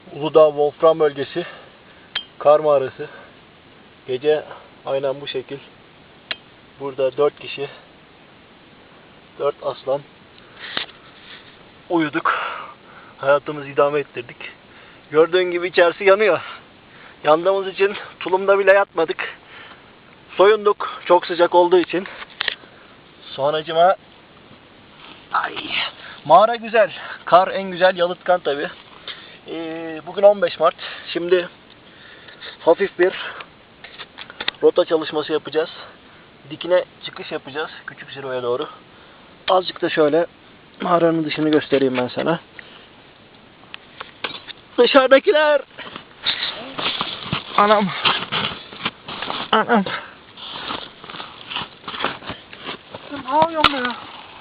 Uludağ Wolfram bölgesi kar mağarası. Gece aynen bu şekil. Burada 4 kişi, 4 aslan uyuduk. Hayatımızı idame ettirdik. Gördüğün gibi içerisi yanıyor. Yandığımız için tulumda bile yatmadık. Soyunduk çok sıcak olduğu için. Sonracıma mağara güzel. Kar en güzel yalıtkan tabi. Bugün 15 Mart. Şimdi hafif bir rota çalışması yapacağız. Dikine çıkış yapacağız. Küçük zirveye doğru. Azıcık da şöyle mağaranın dışını göstereyim ben sana. Dışarıdakiler. Anam. Anam. Ne yapıyorsun ya?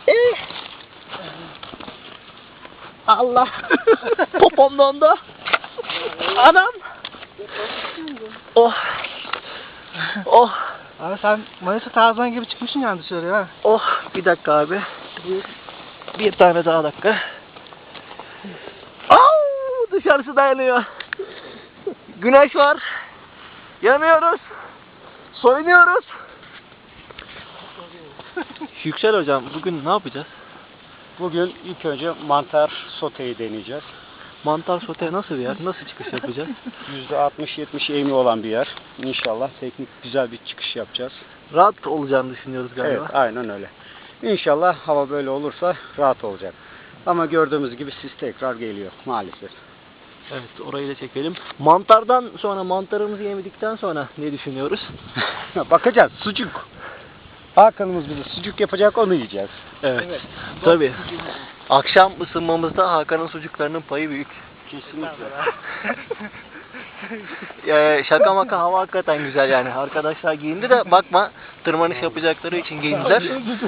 Allah. Popom dondu. Anam. Oh. Oh. Abi sen Manisa Tarzan gibi çıkmışsın yani dışarıya ha. Oh. Bir dakika abi. Bir tane daha dakika. Au, dışarısı dayanıyor. Güneş var. Yanıyoruz. Soyunuyoruz. Yüksel hocam bugün ne yapacağız? Bugün ilk önce mantar soteyi deneyeceğiz. Mantar sote nasıl bir yer? Nasıl çıkış yapacağız? %60-70 eğimi olan bir yer. İnşallah teknik güzel bir çıkış yapacağız. Rahat olacağını düşünüyoruz galiba. Evet, aynen öyle. İnşallah hava böyle olursa rahat olacak. Ama gördüğümüz gibi sis tekrar geliyor maalesef. Evet, orayı da çekelim. Mantardan sonra, mantarımızı yemedikten sonra ne düşünüyoruz? Bakacağız, sucuk. Hakan'ımız bize sucuk yapacak, onu yiyeceğiz. Evet. Tabii. Akşam ısınmamızda Hakan'ın sucuklarının payı büyük. Kesinlikle. Şaka maka hava hakikaten güzel yani. Arkadaşlar giyindi de bakma tırmanış yapacakları için giyindiler.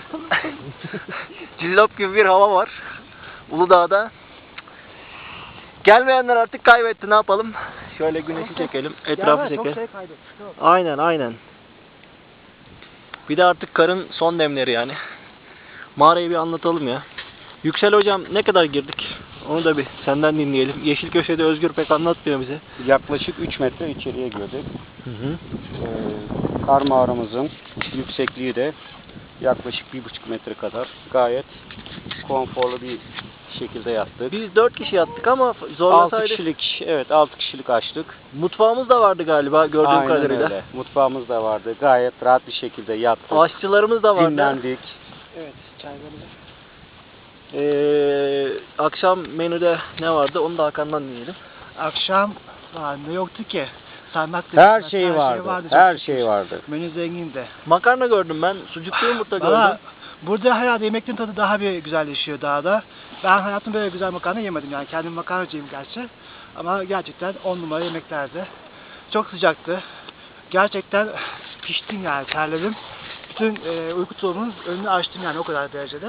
Cillop gibi bir hava var. Uludağ'da. Gelmeyenler artık kaybetti, ne yapalım? Şöyle güneşi çekelim, etrafı çekelim. Aynen aynen. Bir de artık karın son demleri yani. Mağarayı bir anlatalım ya. Yüksel hocam ne kadar girdik? Onu da bir senden dinleyelim. Yeşil köşede Özgür pek anlatmıyor bize. Yaklaşık 3 metre içeriye girdik. Hı. Kar mağaramızın yüksekliği de yaklaşık 1,5 metre kadar. Gayet konforlu bir şekilde yattık. Biz 4 kişi yattık ama 6 zorlasaydık. kişilik, evet 6 kişilik açtık. Mutfağımız da vardı galiba gördüğüm Aynen kadarıyla. öyle. Mutfağımız da vardı. Gayet rahat bir şekilde yattık. Aşçılarımız da vardı. Dinlendik. Evet, çaylarımız. Akşam menüde ne vardı? Onu da Hakan'dan dinleyelim. Akşam ne yoktu ki? Saymak Her şey vardı. Her şey vardı. Menü zengindi. Makarna gördüm ben. Sucuklu yumurta gördüm. Valla burada herhalde yemeklerin tadı daha bir güzelleşiyor daha da. Ben hayatımda böyle güzel makarna yemedim yani. Kendim makarnacıyım gerçi. Ama gerçekten 10 numara yemeklerdi. Çok sıcaktı. Gerçekten piştim yani, terledim. Bütün uyku tulumunun önünü açtım yani, o kadar derecede.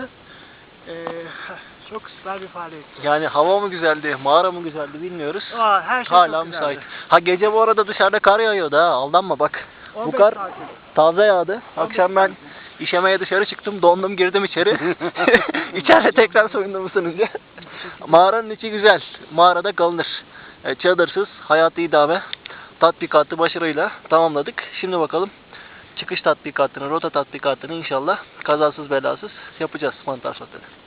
Çok süper bir faaliyetti. Yani hava mı güzeldi, mağara mı güzeldi bilmiyoruz. Her şey Hala çok müsait. güzeldi. Ha gece bu arada dışarıda kar yağıyordu ha, aldanma bak. Bu 15 kar sakin. taze yağdı. Akşam ben işemeye dışarı çıktım, dondum, girdim içeri. İçeride tekrar soyundum ısınınca. Mağaranın içi güzel. Mağarada kalınır. Çadırsız hayatı idame tatbikatı başarıyla tamamladık. Şimdi bakalım çıkış tatbikatını, rota tatbikatını inşallah kazasız belasız yapacağız mantar sotede.